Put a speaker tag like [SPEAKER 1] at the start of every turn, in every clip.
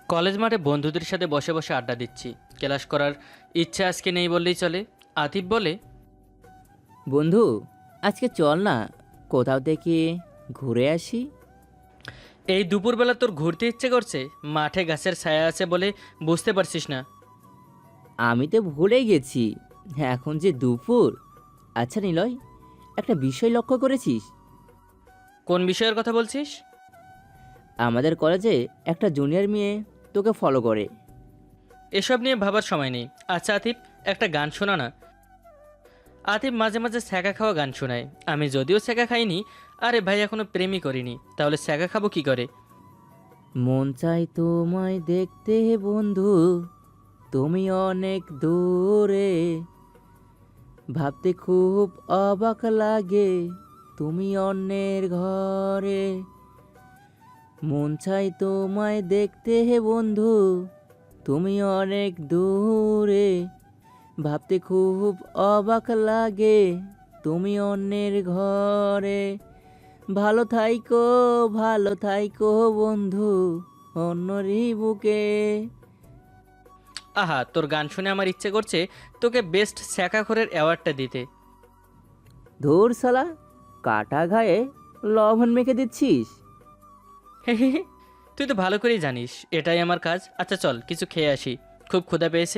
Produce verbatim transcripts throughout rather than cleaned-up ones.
[SPEAKER 1] College মাঠে বন্ধুদের সাথে বসে বসে আড্ডা দিচ্ছি। ক্লাস করার ইচ্ছা আজকে নেই বললেই চলে। আতিফ বলে,
[SPEAKER 2] বন্ধু, আজকে চল না কোথাও থেকে ঘুরে আসি।
[SPEAKER 1] এই দুপুরবেলা তোর ঘুরতে ইচ্ছে করছে? মাঠে গাছের ছায়া আছে বলে বুঝতে পারছিস না?
[SPEAKER 2] আমি তো ভুলে গেছি, এখন যে দুপুর। আচ্ছা নিলয়, একটা বিষয় লক্ষ্য করেছিস?
[SPEAKER 1] কোন বিষয়ের কথা বলছিস?
[SPEAKER 2] আমাদের কলেজে একটা জুনিয়র মেয়ে তোকে ফলো করে।
[SPEAKER 1] এসব নিয়ে ভাবার সময় নেই। আচ্ছা আতিফ, একটা গান শোনা না। আতিফ মাঝে মাঝে ছ্যাঁকা খাওয়া গান শোনায়। আমি যদিও ছ্যাঁকা খাইনি, আরে ভাই এখনো প্রেমই করিনি, তাহলে ছ্যাঁকা খাবো কি করে?
[SPEAKER 2] মন চাই তোমায় দেখতে বন্ধু, তুমি অনেক দূরে, ভাবতে খুব অবাক লাগে তুমি অন্যের ঘরে। মন চাই তোমায় দেখতে হে বন্ধু, তুমি অনেক দূরে, ভাবতে খুব অবাক লাগে তুমি অন্যের ঘরে। ভালো থাইকো, ভালো থাইকো বন্ধু, অন্যরই বুকে।
[SPEAKER 1] আহা, তোর গান শুনে আমার ইচ্ছে করছে তোকে বেস্ট ছ্যাঁকাখোরের অ্যাওয়ার্ডটা দিতে।
[SPEAKER 2] ধুর সালা, কাটা ঘায়ে লবণ মেখে দিচ্ছিস।
[SPEAKER 1] তুই তো ভালো করেই জানিস এটাই আমার কাজ। আচ্ছা চল কিছু খেয়ে আসি, খুব ক্ষুধা পেয়েছে।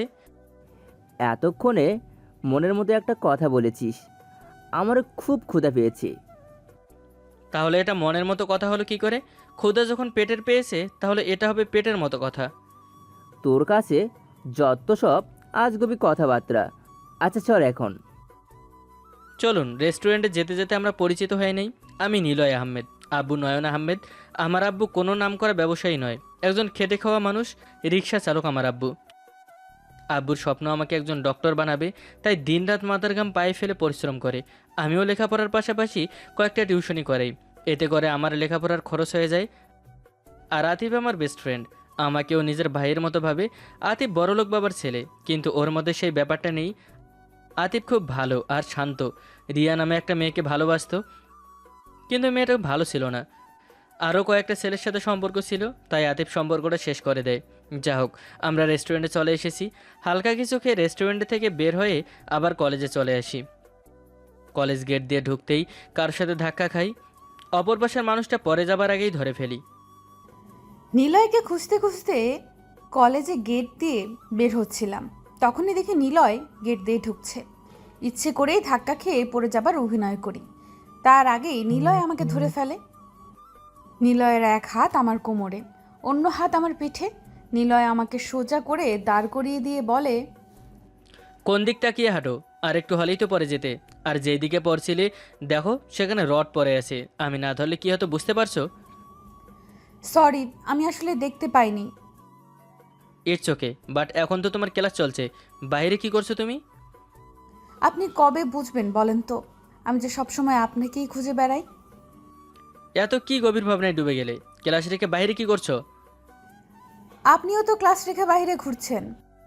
[SPEAKER 2] এতক্ষণে মনের মতো একটা কথা বলেছিস, আমারও খুব ক্ষুধা পেয়েছে।
[SPEAKER 1] তাহলে এটা মনের মতো কথা হলো কি করে? ক্ষুধা যখন পেটের পেয়েছে তাহলে এটা হবে পেটের মতো কথা।
[SPEAKER 2] তোর কাছে যত সব আজগুবি কথাবার্তা। আচ্ছা চল এখন।
[SPEAKER 1] চলুন রেস্টুরেন্টে যেতে যেতে আমরা পরিচিত হয়ে নেই। আমি নিলয় আহমেদ, আব্বু নয়ন আহমেদ। আমার আব্বু কোনো নাম করা ব্যবসায়ী নয়, একজন খেটে খাওয়া মানুষ, রিক্সা চালক আমার আব্বু। আব্বুর স্বপ্ন আমাকে একজন ডক্টর বানাবে, তাই দিনরাত মাথার ঘাম পায়ে ফেলে পরিশ্রম করে। আমিও লেখাপড়ার পাশাপাশি কয়েকটা টিউশনি করাই, এতে করে আমার লেখাপড়ার খরচ হয়ে যায়। আর আতিফ আমার বেস্ট ফ্রেন্ড, আমাকেও নিজের ভাইয়ের মতো ভাবে। আতিফ বড়লোক বাবার ছেলে, কিন্তু ওর মধ্যে সেই ব্যাপারটা নেই। আতিফ খুব ভালো আর শান্ত। রিয়া নামে একটা মেয়েকে ভালোবাসতো, কিন্তু মেয়েটা ভালো ছিল না। আরও কয়েকটা ছেলের সাথে সম্পর্ক ছিল, তাই আতিফ সম্পর্কটা শেষ করে দেয়। যা হোক, আমরা রেস্টুরেন্টে চলে এসেছি। হালকা কিছু খেয়ে রেস্টুরেন্ট থেকে বের হয়ে আবার কলেজে চলে আসি। কলেজ গেট দিয়ে ঢুকতেই কার সাথে ধাক্কা খাই, অপর পাশের মানুষটা পরে যাবার আগেই ধরে ফেলি।
[SPEAKER 3] নিলয়কে খুঁজতে খুঁজতে কলেজে গেট দিয়ে বের হচ্ছিলাম, তখনই দেখি নিলয় গেট দিয়ে ঢুকছে। ইচ্ছে করেই ধাক্কা খেয়ে পড়ে যাবার অভিনয় করি, তার আগেই নিলয় আমাকে ধরে ফেলে। নিলয়ের এক হাত আমার কোমরে, অন্য হাত আমার পিঠে। নিলয় আমাকে সোজা করে দাঁড় করিয়ে দিয়ে বলে,
[SPEAKER 1] কোন দিক তাকিয়ে হাঁটো? আর একটু হলেই তো পরে যেতে। আর যেই দিকে পড়ছিলে দেখো সেখানে রড পড়ে আছে, আমি না ধরলে কি হতো বুঝতে পারছো?
[SPEAKER 3] সরি, আমি আসলে দেখতে পাইনি।
[SPEAKER 1] ইটস ওকে, বাট এখন তো তোমার ক্লাস চলছে, বাইরে কি করছো তুমি?
[SPEAKER 3] আপনি কবে বুঝবেন বলেন তো? আমি যে সবসময় আপনাকেই খুঁজে বেড়াই।
[SPEAKER 1] এত কি গভীর ভাবনায় ডুবে গেলে? ক্লাস রেখে বাইরে কি করছো?
[SPEAKER 3] আপনিও তো ক্লাস রেখে বাইরে ঘুরছেন।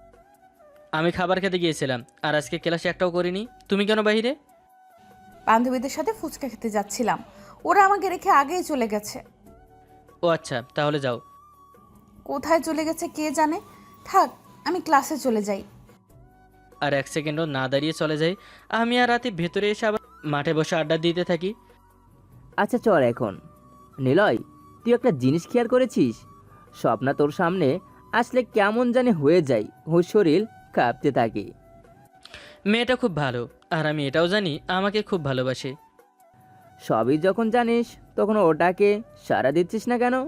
[SPEAKER 1] আমি খাবার খেতে গিয়েছিলাম, আর আজকে ক্লাসে একটাও করিনি। তুমি কেন বাইরে?
[SPEAKER 3] বান্ধবীদের সাথে ফুচকা খেতে যাচ্ছিলাম, ওরা আমাকে রেখে আগেই চলে গেছে।
[SPEAKER 1] ও আচ্ছা, তাহলে যাও।
[SPEAKER 3] কোথায় চলে গেছে কে জানে। থাক, আমি ক্লাসে চলে যাই।
[SPEAKER 1] আর এক সেকেন্ডও না দাঁড়িয়ে চলে যাই। আমি আর রাতে ভেতরে এসে আবার মাঠে বসে আড্ডা দিতে থাকি।
[SPEAKER 2] আচ্ছা চল এখন। নিলয়, তুই একটা জিনিস খেয়াল করেছিস? স্বপ্না তোর সামনে আসলে কেমন জানি হয়ে যায়, ওর শরীর কাঁপতে থাকে।
[SPEAKER 1] মেয়েটা খুব ভালো, আর আমি এটাও জানি আমাকে খুব ভালোবাসে।
[SPEAKER 2] সবই যখন জানিস তখন ওটাকে সাড়া দিচ্ছিস না কেন?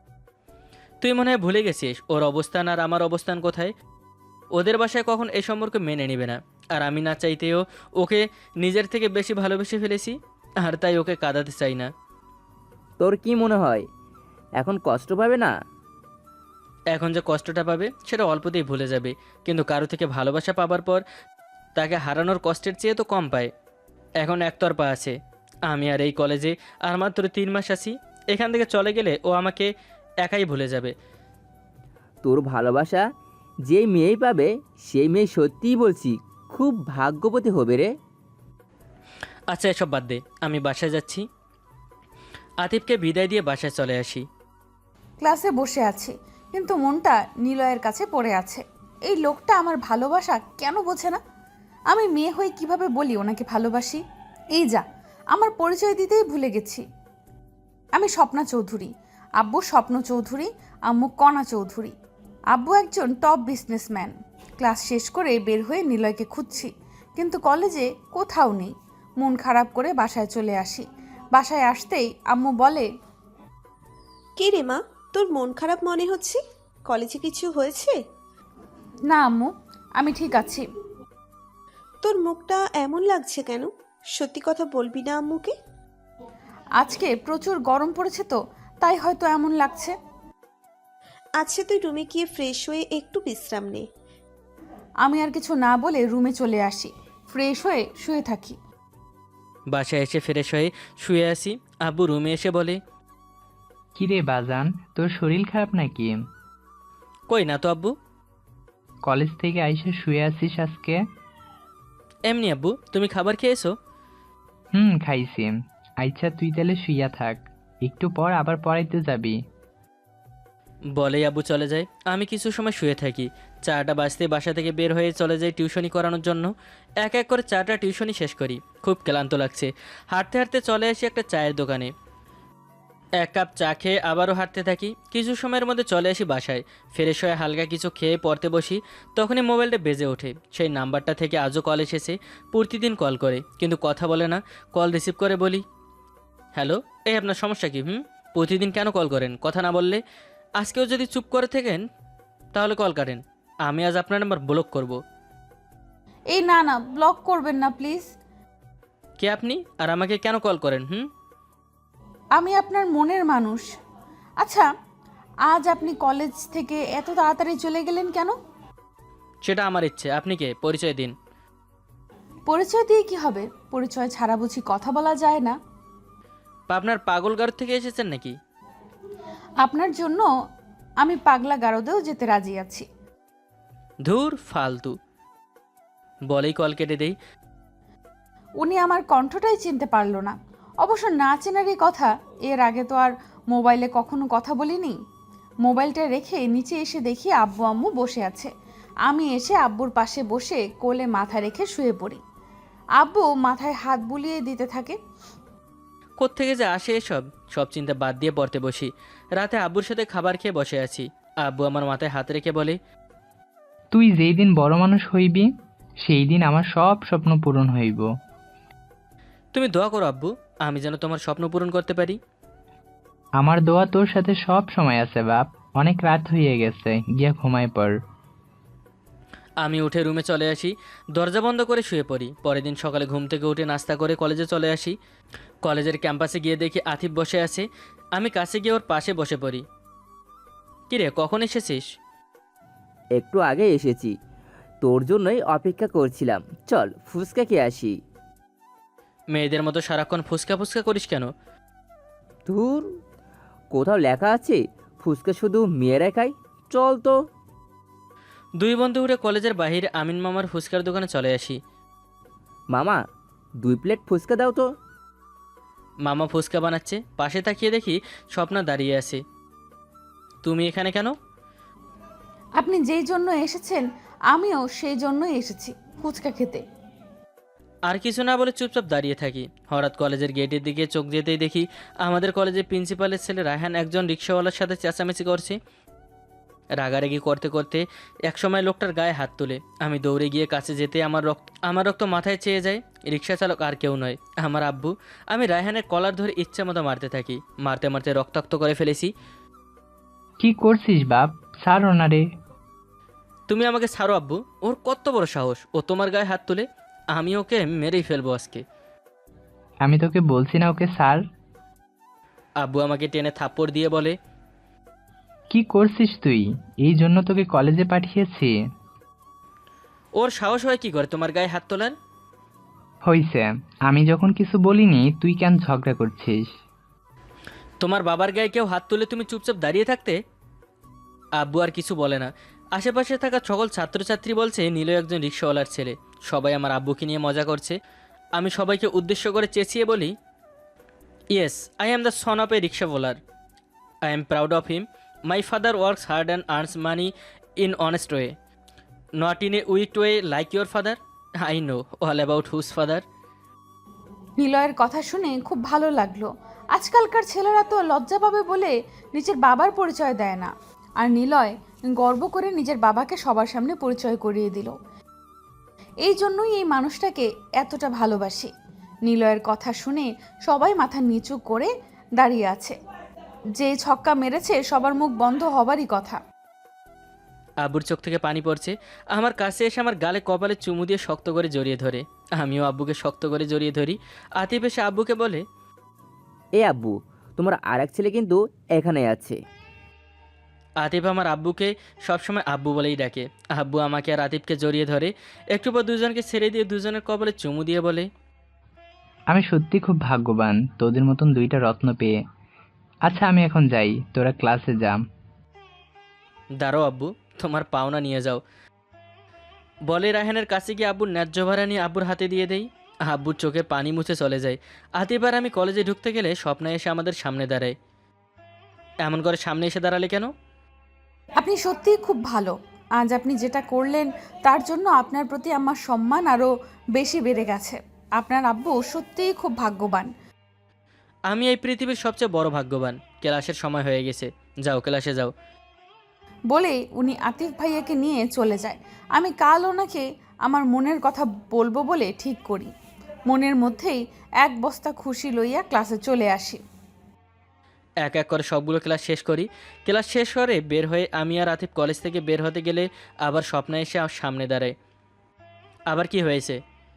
[SPEAKER 1] তুই মনে হয় ভুলে গেছিস ওর অবস্থান আর আমার অবস্থান কোথায়। ওদের বাসায় কখন এই সম্পর্ক মেনে নেবে না, আর আমি না চাইতেও ওকে নিজের থেকে বেশি ভালোবেসে ফেলেছি, আর তাই ওকে কাঁদাতে চাই না।
[SPEAKER 2] তোর কি মনে হয় এখন কষ্ট পাবে না?
[SPEAKER 1] এখন যে কষ্টটা পাবে সেটা অল্পতেই ভুলে যাবে, কিন্তু কারো থেকে ভালোবাসা পাবার পর তাকে হারানোর কষ্টের চেয়ে তো কম পায়। এখন একতরফা আছে। আমি আর এই কলেজে আর মাত্র তিন মাস আছি, এখান থেকে চলে গেলে ও আমাকে একাই ভুলে যাবে।
[SPEAKER 2] তোর ভালোবাসা যেই মেয়েই পাবে সেই মেয়ে সত্যিই বলছি খুব ভাগ্যবতী হবে রে।
[SPEAKER 1] আচ্ছা এসব বাদ দে, আমি বাসায় যাচ্ছি। আতিফকে বিদায় দিয়ে বাসায় চলে আসি।
[SPEAKER 3] ক্লাসে বসে আছি, কিন্তু মনটা নিলয়ের কাছে পড়ে আছে। এই লোকটা আমার ভালোবাসা কেন বোঝে না? আমি মেয়ে হয়ে কিভাবে বলি ওনাকে ভালোবাসি? এই যা, আমার পরিচয় দিতেই ভুলে গেছি। আমি স্বপ্না চৌধুরী, আব্বু স্বপ্ন চৌধুরী, আম্মু কণা চৌধুরী। আব্বু একজন টপ বিজনেসম্যান। ক্লাস শেষ করে বের হয়ে নিলয়কে খুঁজছি, কিন্তু কলেজে কোথাও নেই। মন খারাপ করে বাসায় চলে আসি। বাসায় আসতেই আম্মু বলে,
[SPEAKER 4] কে রে মা, তোর মন খারাপ মনে হচ্ছে? কলেজে কিছু হয়েছে?
[SPEAKER 3] না আম্মু, আমি ঠিক আছি।
[SPEAKER 4] তোর মুখটা এমন লাগছে কেন? সত্যি কথা বলবি না আম্মুকে?
[SPEAKER 3] আজকে প্রচুর গরম পড়েছে তো, তাই হয়তো এমন লাগছে।
[SPEAKER 4] আচ্ছা, তুই রুমে গিয়ে ফ্রেশ হয়ে একটু বিশ্রাম নে।
[SPEAKER 3] আমি আর কিছু না বলে রুমে চলে আসি। ফ্রেশ হয়ে শুয়ে থাকি।
[SPEAKER 1] বাসায় এসে ফ্রেশ হয়ে শুয়ে আসি। আব্বু রুমে এসে বলে,
[SPEAKER 5] কিরে বাজান, তোর শরীর খারাপ নাকি?
[SPEAKER 1] কই না তো আব্বু।
[SPEAKER 5] কলেজ থেকে আইসে শুয়ে আছিস আজকে?
[SPEAKER 1] এমনি আব্বু, তুমি খাবার খেয়েছো?
[SPEAKER 5] হুম, খাইছি। আচ্ছা, তুই তাহলে শুইয়া থাক, একটু পর আবার পড়াইতে যাবি।
[SPEAKER 1] বলেই আব্বু চলে যায়। আমি কিছু সময় শুয়ে থাকি। চাটা বাজতে বাসা থেকে বের হয়ে চলে যাই টিউশনি করানোর জন্য। এক এক করে চাটা টিউশনি শেষ করি। খুব ক্লান্ত লাগছে। হাঁটতে হাঁটতে চলে আসি একটা চায়ের দোকানে। এক কাপ চা খেয়ে আবারও হাঁটতে থাকি। কিছু সময়ের মধ্যে চলে আসি বাসায়। ফ্রেশ হয়ে হালকা কিছু খেয়ে পড়তে বসি। তখনই মোবাইলটা বেজে ওঠে। সেই নাম্বারটা থেকে আজও কল এসেছে। প্রতিদিন কল করে, কিন্তু কথা বলে না। কল রিসিভ করে বলি, হ্যালো, এই আপনার সমস্যা কি? হুম প্রতিদিন কেন কল করেন কথা না বললে? আজকেও যদি চুপ করে থাকেন তাহলে কল কাটেন। আমি আজ আপনার নাম্বার ব্লক করব।
[SPEAKER 3] এই না না, ব্লক করবেন না প্লিজ।
[SPEAKER 1] কে আপনি, আর আমাকে কেন কল করেন? হুম
[SPEAKER 3] আমি আপনার মনের মানুষ। আচ্ছা, আজ আপনি কলেজ থেকে এত তাড়াতাড়ি চলে গেলেন কেন?
[SPEAKER 1] সেটা আমার ইচ্ছে। আপনি কে, পরিচয় দিন।
[SPEAKER 3] পরিচয় দিয়ে কি হবে? পরিচয় ছাড়া বুঝি কথা বলা যায় না?
[SPEAKER 1] আপনার পাগলগার থেকে এসেছেন নাকি?
[SPEAKER 3] আপনার জন্য আমি পাগলা গারদেও যেতে রাজি আছি।
[SPEAKER 1] ধুর ফালতু, বলেই কল কেটে দেই।
[SPEAKER 3] উনি আমার কণ্ঠটাই চিনতে পারলো না। অবশ্য না চেনারই কথা, এর আগে তো আর মোবাইলে কখনো কথা বলিনি। মোবাইলটা রেখে নিচে এসে দেখি আব্বু আম্মু বসে আছে। আমি এসে আব্বুর পাশে বসে কোলে মাথা রেখে শুয়ে পড়ি। আব্বু মাথায় হাত বুলিয়ে দিতে থাকে।
[SPEAKER 1] কোত্থেকে যে আসে এসব, সব চিন্তা বাদ দিয়ে পড়তে বসি। রাতে আব্বুর সাথে খাবার খেয়ে বসে আছি। আব্বু আমার মাথায় হাত রেখে বলে,
[SPEAKER 5] তুই যেই দিন বড় মানুষ হইবি সেই দিন আমার সব স্বপ্ন পূরণ হইব।
[SPEAKER 1] তুমি দোয়া করো আব্বু, আমি যেন তোমার স্বপ্ন পূরণ করতে পারি।
[SPEAKER 5] আমার দোয়া তোর সাথে সব সময় আছে বাপ। অনেক রাত হয়ে গেছে, গিয়া ঘুমায় পড়।
[SPEAKER 1] আমি উঠে রুমে চলে আসি, দরজা বন্ধ করে শুয়ে পড়ি। পরের দিন সকালে ঘুম থেকে উঠে নাস্তা করে কলেজে চলে আসি। কলেজের ক্যাম্পাসে গিয়ে দেখি আতিফ বসে আছে। আমি কাছে গিয়ে ওর পাশে বসে পড়ি। কিরে, কখন এসেছিস?
[SPEAKER 2] একটু আগে এসেছি, তোর জন্যই অপেক্ষা করছিলাম। চল ফুচকা খেয়ে আসি।
[SPEAKER 1] মেয়েদের মতো সারাক্ষণ ফুসকা ফুসকা করিস কেন?
[SPEAKER 2] ধুর, কোথাও লেখা আছে ফুচকা শুধু মেয়েরা খায়? চল তো।
[SPEAKER 1] দুই বন্ধু উঠে কলেজের বাহিরে আমিন মামার ফুচকার দোকানে চলে আসি।
[SPEAKER 2] মামা, দুই প্লেট ফুচকা দাও তো।
[SPEAKER 1] মামা ফুচকা বানাচ্ছে। পাশে তাকিয়ে দেখি স্বপ্না দাঁড়িয়ে আছে। তুমি এখানে কেন?
[SPEAKER 3] আপনি যেই জন্য এসেছেন আমিও সেই জন্যই এসেছি, ফুচকা খেতে।
[SPEAKER 1] আর কিছু না বলে চুপচাপ দাঁড়িয়ে থাকি। হঠাৎ কলেজের গেটের দিকে চোখ যেতেই দেখি আমাদের কলেজের প্রিন্সিপালের ছেলে রায়হান একজন রিক্সাওয়ালার সাথে চেঁচামেচি করছে। রাগারাগি করতে করতে একসময় লোকটার গায়ে হাত তুলে। আমি দৌড়ে গিয়ে কাছে যেতে আমার রক্ত আমার রক্ত মাথায় চেয়ে যায়। রিক্সা চালক আর কেউ নয়, আমার আব্বু। আমি রায়হানের কলার ধরে ইচ্ছা মতো মারতে থাকি। মারতে মারতে রক্তাক্ত করে ফেলেছি।
[SPEAKER 5] কি করছিস বাপ, ছাড় ওনারে।
[SPEAKER 1] তুমি আমাকে ছাড়ো আব্বু, ওর কত বড় সাহস, ও তোমার গায়ে হাত তুলে। আমি ওকে মেরেই ফেলবো আজকে।
[SPEAKER 5] আমি তোকে বলছি না ওকে ছাড়?
[SPEAKER 1] আব্বু আমাকে টেনে থাপ্পড় দিয়ে বলে,
[SPEAKER 5] কি করছিস তুই? এই জন্য তোকে কলেজে পাঠিয়েছি।
[SPEAKER 1] ওর সাহস হয় কি করে তোমার গায়ে হাত তোলার?
[SPEAKER 5] হইছে, আমি যখন কিছু বলিনি তুই কেন ঝগড়া করছিস?
[SPEAKER 1] তোমার বাবার গায়ে কেউ হাত তুলে তুমি চুপচাপ দাঁড়িয়ে থাকতে? আব্বু আর কিছু বলে না। আশেপাশে থাকা সকল ছাত্রছাত্রী বলছে নীলয় একজন রিক্সাওয়ালার ছেলে। সবাই আমার আব্বুকে নিয়ে মজা করছে। আমি সবাইকে উদ্দেশ্য করে চেঁচিয়ে বলি, yes, I am the son of a রিক্সাওয়ালার। I am proud of him. My father works hard and earns money in honest way, not in a weak way like your father. I know all about whose father.
[SPEAKER 3] নিলয়ের কথা শুনে খুব ভালো লাগলো। আজকালকার ছেলেরা তো লজ্জা পাবে বলে নিজের বাবার পরিচয় দেয় না, আর নিলয় গর্ব করে নিজের বাবাকে সবার সামনে পরিচয় করিয়ে দিল। এই জন্যই এই মানুষটাকে এতটা ভালোবাসি। নিলয়ের কথা শুনে সবাই মাথা নিচু করে দাঁড়িয়ে আছে। যে ছক্কা মেরেছে সবার মুখ বন্ধ হবারই কথা।
[SPEAKER 1] আব্বুর চোখ থেকে পানি পড়ছে। আমার কাছে এসে আমার গালে কপালে চুমু দিয়ে শক্ত করে জড়িয়ে ধরে। আমিও আব্বুকে শক্ত করে জড়িয়ে ধরি। আতিফ এসে আব্বুকে বলে,
[SPEAKER 2] এ আব্বু, তোমার আর এক ছেলে কিন্তু এখানে আছে।
[SPEAKER 1] আতিফ আমার আব্বুকে সবসময় আব্বু বলেই ডাকে। আব্বু আমাকে আর আতিফকে জড়িয়ে ধরে, একটু পর দুজনকে ছেড়ে দিয়ে দুজনের কপালে চুমু দিয়ে বলে,
[SPEAKER 5] আমি সত্যি খুব ভাগ্যবান তোদের মতন দুইটা রত্ন পেয়ে। আচ্ছা আমি এখন যাই, তোরা ক্লাসে যা।
[SPEAKER 1] দাঁড়াও আব্বু, তোমার পাওনা নিয়ে যাও। বলে রায়হানের কাছে গিয়ে আব্বুর ন্যায্য ভাড়া নিয়ে আব্বুর হাতে দিয়ে দেই। আব্বুর চোখে পানি মুছে চলে যায়। আতিফ আর আমি কলেজে ঢুকতে গেলে স্বপ্না এসে আমাদের সামনে দাঁড়ায়। এমন করে সামনে এসে দাঁড়ালে কেন?
[SPEAKER 3] আপনি সত্যিই খুব ভালো। আজ আপনি যেটা করলেন তার জন্য আপনার প্রতি আমার সম্মান আরও বেশি বেড়ে গেছে। আপনার আব্বু সত্যিই খুব ভাগ্যবান।
[SPEAKER 1] আমি এই পৃথিবীর সবচেয়ে বড় ভাগ্যবান। ক্লাসের সময় হয়ে গেছে, যাও ক্লাসে যাও।
[SPEAKER 3] বলেই উনি আতিফ ভাইয়াকে নিয়ে চলে যায়। আমি কাল ওনাকে আমার মনের কথা বলবো বলে ঠিক করি। মনের মধ্যেই এক বস্তা খুশি লইয়া ক্লাসে চলে আসি।
[SPEAKER 1] এক এক করে সবগুলো ক্লাস শেষ করি। ক্লাস শেষ করে বের হয়ে আমি আর আতিফ কলেজ থেকে বের হতে গেলে আবার স্বপ্না এসে আমার সামনে দাঁড়ায়। আবার কি হয়েছে?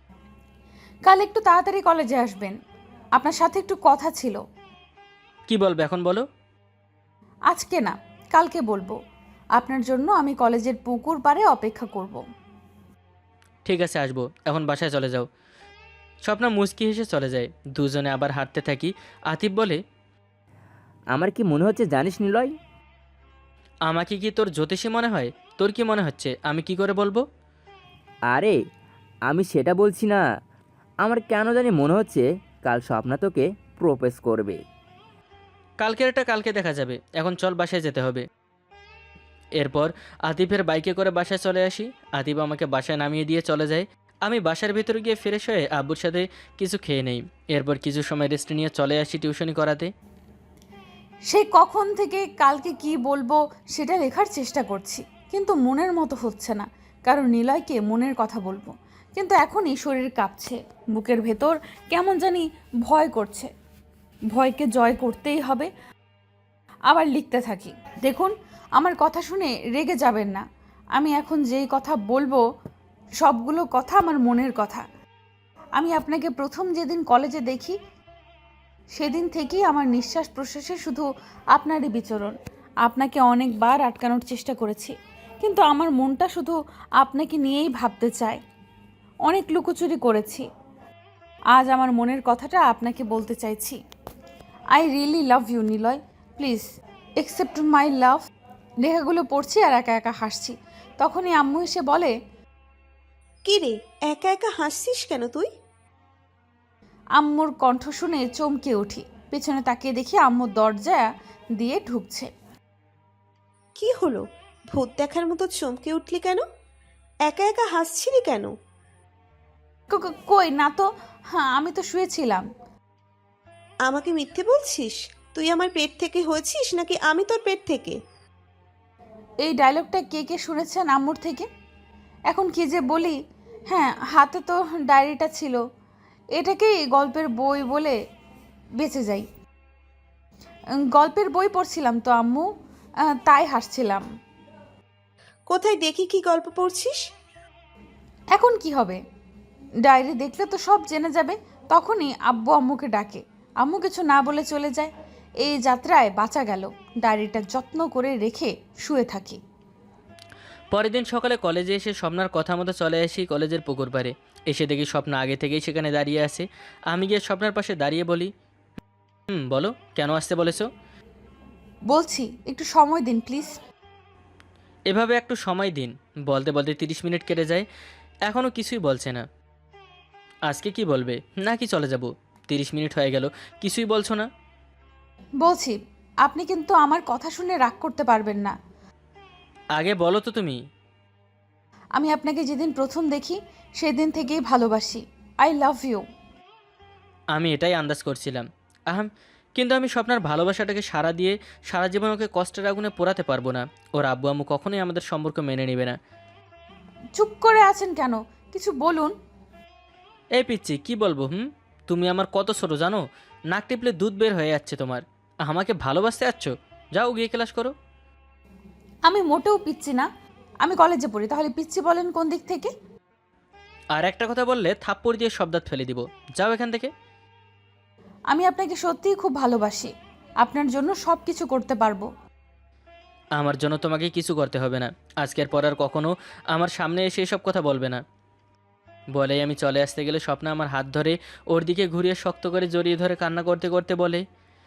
[SPEAKER 3] কাল একটু তাড়াতাড়ি কলেজে আসবেন, আপনার সাথে একটু কথা ছিল।
[SPEAKER 1] কি বলবে এখন বলো।
[SPEAKER 3] আজকে না, কালকে বলবো। আপনার জন্য আমি কলেজের পুকুর পাড়ে অপেক্ষা করব।
[SPEAKER 1] ঠিক আছে, আসবো। এখন বাসায় চলে যাও। স্বপ্না মুচকি হেসে চলে যায়। দুজনে আবার হাঁটতে থাকি। আতিফ বলে,
[SPEAKER 2] আমার কি মনে হচ্ছে জানিস নিলয়?
[SPEAKER 1] আমাকে কি তোর জ্যোতিষী মনে হয়? তোর কি মনে হচ্ছে আমি কি করে বলবো?
[SPEAKER 2] আরে আমি সেটা বলছি না, আমার কেন জানি মনে হচ্ছে কাল স্বপ্না তোকে প্রপোজ করবে।
[SPEAKER 1] কালকের এটা কালকে দেখা যাবে, এখন চল বাসায় যেতে হবে। এরপর আতিফের বাইকে করে বাসায় চলে আসি। আতিফ আমাকে বাসায় নামিয়ে দিয়ে চলে যায়। আমি বাসার ভেতরে গিয়ে ফ্রেশ হয়ে আব্বুর সাথে কিছু খেয়ে নেই। এরপর কিছু সময় রেস্ট নিয়ে চলে আসি টিউশনি করাতে।
[SPEAKER 3] সে কখন থেকে কালকে কি বলবো সেটা লেখার চেষ্টা করছি, কিন্তু মনের মতো হচ্ছে না। কারণ নিলয়কে মনের কথা বলবো, কিন্তু এখনই শরীর কাঁপছে, বুকের ভেতর কেমন জানি ভয় করছে। ভয়কে জয় করতেই হবে। আবার লিখতে থাকি। দেখুন, আমার কথা শুনে রেগে যাবেন না। আমি এখন যেই কথা বলবো সবগুলো কথা আমার মনের কথা। আমি আপনাকে প্রথম যেদিন কলেজে দেখি সেদিন থেকেই আমার নিঃশ্বাস প্রশ্বাসে শুধু আপনারই বিচরণ। আপনাকে অনেকবার আটকানোর চেষ্টা করেছি, কিন্তু আমার মনটা শুধু আপনাকে নিয়েই ভাবতে চায়। অনেক লুকোচুরি করেছি। আজ আমার মনের কথাটা আপনাকে বলতে চাইছি। I really love you Niloy, please accept my love. লেখাগুলো পড়ছি আর একা একা হাসছি। তখনই আম্মু এসে বলে,
[SPEAKER 4] কি রে, একা একা হাসছিস কেন তুই?
[SPEAKER 3] আম্মুর কণ্ঠ শুনে চমকে উঠি। পেছনে তাকিয়ে দেখি আম্মু দরজা দিয়ে ঢুকছে।
[SPEAKER 4] কি হলো, ভূত দেখার মতো চমকে উঠলি কেন? একা একা হাসছিলি কেন?
[SPEAKER 3] ক- ক- কই না তো, হ্যাঁ আমি তো শুয়েছিলাম।
[SPEAKER 4] আমাকে মিথ্যে বলছিস? তুই আমার পেট থেকে হয়েছিস নাকি আমি তোর পেট থেকে?
[SPEAKER 3] এই ডায়লগটা কে কে শুনেছেন আম্মুর থেকে? এখন কি যে বলি। হ্যাঁ, হাতে তো ডায়েরিটা ছিল, এটাকেই গল্পের বই বলে বেঁচে যাই। উম, গল্পের বই পড়ছিলাম তো আম্মু, আহ, তাই হাসছিলাম।
[SPEAKER 4] কোথায় দেখি কি গল্প পড়ছিস?
[SPEAKER 3] এখন কি হবে? ডায়েরি দেখলে তো সব জেনে যাবে। তখনই আব্বু আম্মুকে ডাকে। আম্মু কিছু না বলে চলে যায়। এই যাত্রায় বাঁচা গেল। ডায়েরিটা যত্ন করে রেখে শুয়ে থাকি।
[SPEAKER 1] পরের দিন সকালে কলেজে এসে স্বপ্নার কথা মতো চলে আসি কলেজের পুকুর পাড়ে। এসে দেখি স্বপ্না আগে থেকেই সেখানে দাঁড়িয়ে আছে। আমি গিয়ে স্বপ্নার পাশে দাঁড়িয়ে বলি, হুম বলো, কেন আসতে বলেছো?
[SPEAKER 3] বলছি একটু সময় দিন প্লিজ।
[SPEAKER 1] এভাবে একটু সময় দিন বলতে বলতে তিরিশ মিনিট কেটে যায়, এখনও কিছুই বলছে না। আজকে কি বলবে নাকি চলে যাব? তিরিশ মিনিট হয়ে গেল, কিছুই বলছো না।
[SPEAKER 3] বলছি আপনি কিন্তু আমার কথা শুনে রাগ করতে পারবেন না।
[SPEAKER 1] আগে বলো তো তুমি।
[SPEAKER 3] আমি আপনাকে যেদিন প্রথম দেখি সেদিন থেকেই ভালোবাসি। I love you.
[SPEAKER 1] আমি এটাই আন্দাজ করছিলাম আহাম, কিন্তু আমি স্বপ্নার ভালোবাসাটাকে সারা দিয়ে সারা জীবন ওকে কষ্টের আগুনে পোড়াতে পারবো না। ওর আব্বু আম্মু কখনোই আমাদের সম্পর্ক মেনে নেবে না।
[SPEAKER 3] চুপ করে আছেন কেন? কিছু বলুন।
[SPEAKER 1] এই পিচ্ছি কি বলবো? হুম, তুমি আমার কত ছোট জানো? নাক টিপলে দুধ বের হয়ে যাচ্ছে তোমার। আমাকে ভালোবাসতে যাচ্ছ? যাও গিয়ে ক্লাস করো।
[SPEAKER 3] আমি মোটেও পিচ্ছি না। আমি কলেজে পড়ি, তাহলে পিচ্ছি বলেন কোন দিক থেকে?
[SPEAKER 1] আর একটা কথা বললে থাপ্পড় দিয়ে সব দাঁত ফেলে দিব। যাও এখান থেকে।
[SPEAKER 3] আমি আপনাকে সত্যিই খুব ভালোবাসি। আপনার জন্য সব কিছু করতে পারবো।
[SPEAKER 1] আমার জন্য তোমাকে কিছু করতে হবে না। আজকের পর আর কখনো আমার সামনে এসে এসব কথা বলবে না। বলেই আমি চলে আসতে গেলে স্বপ্না আমার হাত ধরে ওর দিকে ঘুরিয়ে শক্ত করে জড়িয়ে ধরে কান্না করতে করতে বলে,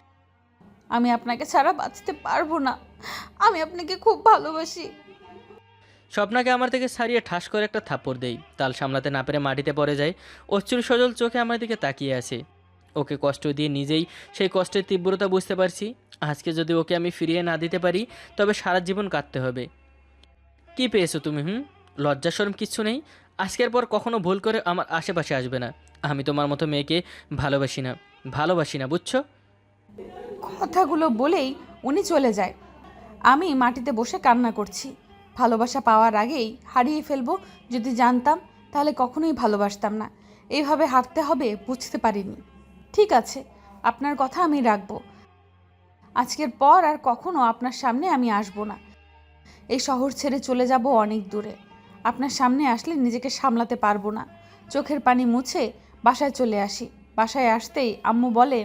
[SPEAKER 3] আমি আপনাকে ছাড়া বাঁচতে পারবো না। আমি আপনাকে খুব ভালোবাসি।
[SPEAKER 1] স্বপ্নাকে আমার থেকে ছাড়িয়ে ঠাস করে একটা থাপ্পড় দেই। তাল সামলাতে না পেরে মাটিতে পড়ে যায়। অশ্রু সজল চোখে আমার দিকে তাকিয়ে আছে। ওকে কষ্ট দিয়ে নিজেই সেই কষ্টের তীব্রতা বুঝতে পারছি। আজকে যদি ওকে আমি ফিরিয়ে না দিতে পারি তবে সারা জীবন কাটতে হবে। কি পেয়েছো তুমি? হুম, লজ্জা শরম কিচ্ছু নেই? আজকের পর কখনো ভুল করে আমার আশেপাশে আসবে না। আমি তোমার মতো মেয়েকে ভালোবাসি না, ভালোবাসি না, বুঝছো?
[SPEAKER 3] কথাগুলো বলেই উনি চলে যায়। আমি মাটিতে বসে কান্না করছি। ভালোবাসা পাওয়ার আগেই হারিয়ে ফেলবো যদি জানতাম, তাহলে কখনোই ভালোবাসতাম না। এইভাবে হারতে হবে বুঝতে পারিনি। ঠিক আছে, আপনার কথা আমি রাখবো। আজকের পর আর কখনো আপনার সামনে আমি আসবো না। এই শহর ছেড়ে চলে যাব অনেক দূরে। আপনার সামনে আসলে নিজেকে সামলাতে পারবো না। চোখের পানি মুছে বাসায় চলে আসি। বাসায় আসতেই আম্মু বলে,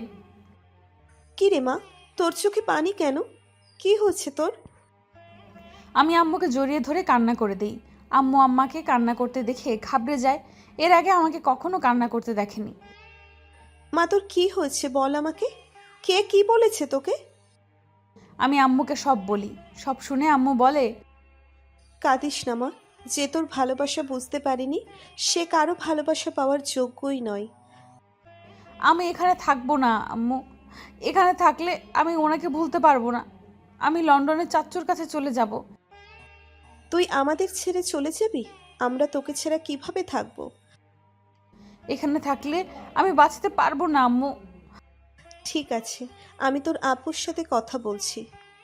[SPEAKER 4] কি রে মা, তোর চোখে পানি কেন? কি হচ্ছে তোর?
[SPEAKER 3] আমি আম্মুকে জড়িয়ে ধরে কান্না করে দিই। আম্মু আম্মাকে কান্না করতে দেখে ঘাবড়ে যায়। এর আগে আমাকে কখনো কান্না করতে দেখেনি।
[SPEAKER 4] মা তোর কি হয়েছে বল আমাকে। কে কি বলেছে তোকে?
[SPEAKER 3] আমি আম্মুকে সব বলি। সব শুনে আম্মু বলে,
[SPEAKER 4] কাঁদিস না মা, যে তোর ভালোবাসা বুঝতে পারিনি সে কারো ভালোবাসা পাওয়ার যোগ্যই নয়।
[SPEAKER 3] আমি এখানে থাকবো না আম্মু। এখানে থাকলে আমি ওনাকে ভুলতে পারবো না। আমি লন্ডনের চাচ্চুর কাছে চলে যাব।
[SPEAKER 4] তুই আমাদের ছেড়ে চলে যাবি? আমরা তোকে ছাড়া কিভাবে থাকবো?
[SPEAKER 3] এখানে থাকলে আমি বাঁচতে পারবো না আম্মু।
[SPEAKER 4] ঠিক আছে, আমি তোর আপুর সাথে কথা বলছি।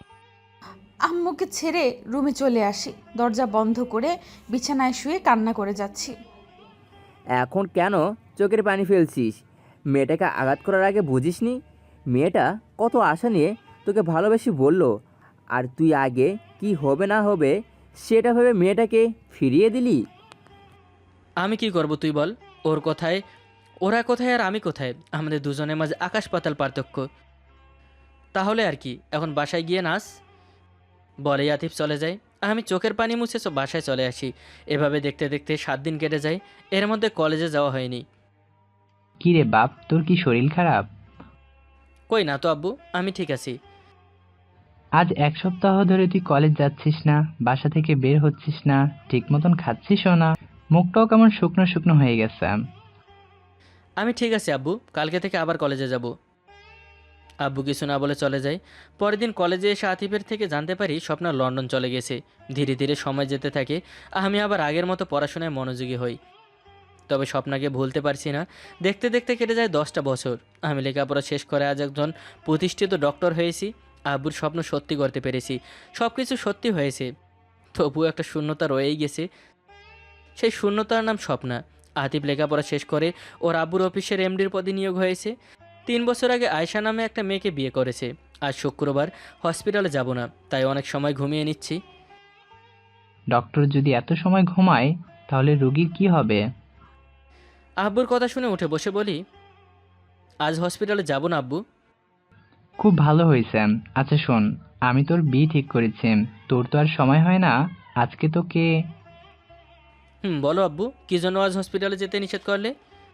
[SPEAKER 3] আম্মুকে ছেড়ে রুমে চলে আসি। দরজা বন্ধ করে বিছানায় শুয়ে কান্না করে যাচ্ছি।
[SPEAKER 2] এখন কেন চোখের পানি ফেলছিস? মেয়েটাকে আঘাত করার আগে বুঝিসনি? মেয়েটা কত আশা নিয়ে তোকে ভালোবেসে বলল, আর তুই আগে কি হবে না হবে সেটা ভেবে মেয়েটাকে ফিরিয়ে দিলি।
[SPEAKER 1] আমি কি করব তুই বল? ওর কথায় ওরা কোথায় আর আমি কোথায়? আমাদের দুজনের মাঝে আকাশ পাতাল পার্থক্য। তাহলে আর কি, এখন বাসায় গিয়ে নাচ। বলেই আতিফ চলে যায়। আমি চোখের পানি মুছে সব বাসায় চলে আসি। এভাবে দেখতে দেখতে সাত দিন কেটে যায়। এর মধ্যে কলেজে যাওয়া হয়নি।
[SPEAKER 5] কি রে বাপ, তোর কি শরীর খারাপ?
[SPEAKER 1] কই না তো আব্বু, আমি ঠিক আছি।
[SPEAKER 5] আজ এক সপ্তাহ ধরে তুই কলেজ যাচ্ছিস না, বাসা থেকে বের হচ্ছিস না, ঠিক মতন খাচ্ছিসও না, মুখটাও কেমন শুকনো শুকনো হয়ে গেছে।
[SPEAKER 1] আমি ঠিক আছি আব্বু, কালকে থেকে আবার কলেজে যাব। আব্বু কিছু না বলে চলে যায়। পরের দিন কলেজে এসে আতিফের থেকে জানতে পারি স্বপ্না লন্ডন চলে গেছে। ধীরে ধীরে সময় যেতে থাকে। আমি আবার আগের মতো পড়াশোনায় মনোযোগী হই। তবে স্বপ্নাকে ভুলতে পারছি না। দেখতে দেখতে কেটে যায় দশটা বছর। আমি লেখাপড়া শেষ করে আজ একজন প্রতিষ্ঠিত ডক্টর হয়েছি। আব্বুর স্বপ্ন সত্যি করতে পেরেছি। সব কিছু সত্যি হয়েছে, তবুও একটা শূন্যতা রয়েই গেছে। সেই শূন্যতার নাম স্বপ্না। আতিফ লেখাপড়া শেষ করে ওর আব্বুর অফিসের এমডির পদে নিয়োগ হয়েছে। তিন বছর আগে আয়শা নামে একটা মেয়েকে বিয়ে করেছে। আজ শুক্রবার, হসপিটালে যাব না, তাই অনেক সময় ঘুমিয়ে নিচ্ছি।
[SPEAKER 5] ডক্টর যদি এত সময় ঘুমায় তাহলে রোগীর কি হবে?
[SPEAKER 1] আব্বুর কথা শুনে উঠে বসে বলি, আজ হসপিটালে যাব না আব্বু।
[SPEAKER 5] খুব ভালো হয়েছে। আচ্ছা শোন, আমি তোর বিয়ে ঠিক করেছি। তোর তো আর সময় হয় না। আজকে তোকে
[SPEAKER 1] হুম, বলো আব্বু, কী জন্য আজ হসপিটালে যেতে নিষেধ করলে?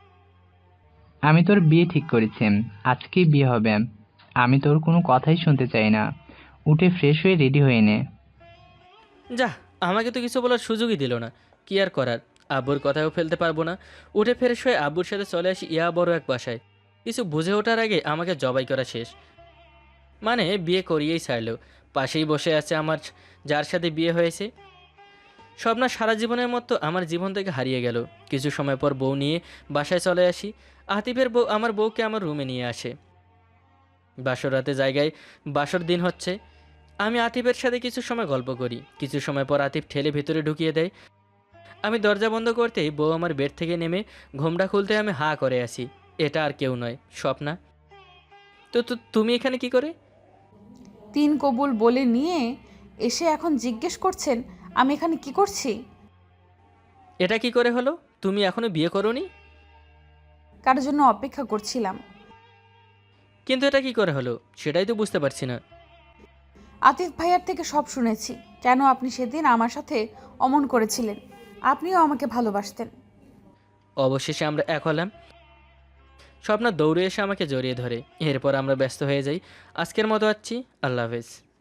[SPEAKER 5] আমি তোর বিয়ে ঠিক করেছি, আজকেই বিয়ে হবে। আমি তোর কোনো কথাই শুনতে চাই না। উঠে ফ্রেশ হয়ে রেডি হয়ে নে।
[SPEAKER 1] যা, আমাকে তো কিছু বলার সুযোগই দিল না। কি আর করার, আব্বুর কথাও ফেলতে পারবো না। উঠে ফ্রেশ হয়ে আব্বুর সাথে চলে আসি ইয়া বড় এক বাসায়। কিছু বুঝে ওঠার আগে আমাকে জবাই করা শেষ। মানে বিয়ে করিয়েই ছাড়লো। পাশেই বসে আছে আমার, যার সাথে বিয়ে হয়েছে। স্বপ্না সারা জীবনের মতো আমার জীবন থেকে হারিয়ে গেল। কিছু সময় পর বউ নিয়ে বাসায় চলে আসি। আতিফের বউ আমার বউকে আমার রুমে নিয়ে আসে। বাসর রাতে জায়গায় বাসর দিন হচ্ছে। আমি আতিফের সাথে কিছু সময় গল্প করি। কিছু সময় পর আতিফ ঠেলে ভেতরে ঢুকিয়ে দেয়। আমি দরজা বন্ধ করতেই বউ আমার বেড থেকে নেমে ঘোমটা খুলতে আমি হাঁ করে আসি। এটা আর কেউ নয়, স্বপ্না। তো তো তুমি এখানে কি করে?
[SPEAKER 3] তিন কবুল বলে নিয়ে এসে এখন জিজ্ঞেস করছেন আমি এখানে কি করছি?
[SPEAKER 1] এটা কি করে হলো? তুমি এখনো বিয়ে করোনি?
[SPEAKER 3] কার জন্য অপেক্ষা করছিলাম।
[SPEAKER 1] কিন্তু এটা কি করে হলো সেটাই তো বুঝতে পারছি না।
[SPEAKER 3] আতিফ ভাইয়ার থেকে সব শুনেছি, কেন আপনি সেদিন আমার সাথে অমন করেছিলেন। আপনিও আমাকে ভালোবাসতেন।
[SPEAKER 1] অবশেষে আমরা এক হলাম। স্বপ্না দৌড়ে এসে আমাকে জড়িয়ে ধরে। এরপর আমরা ব্যস্ত হয়ে যাই। আজকের মতো আসছি, আল্লাহ হাফেজ।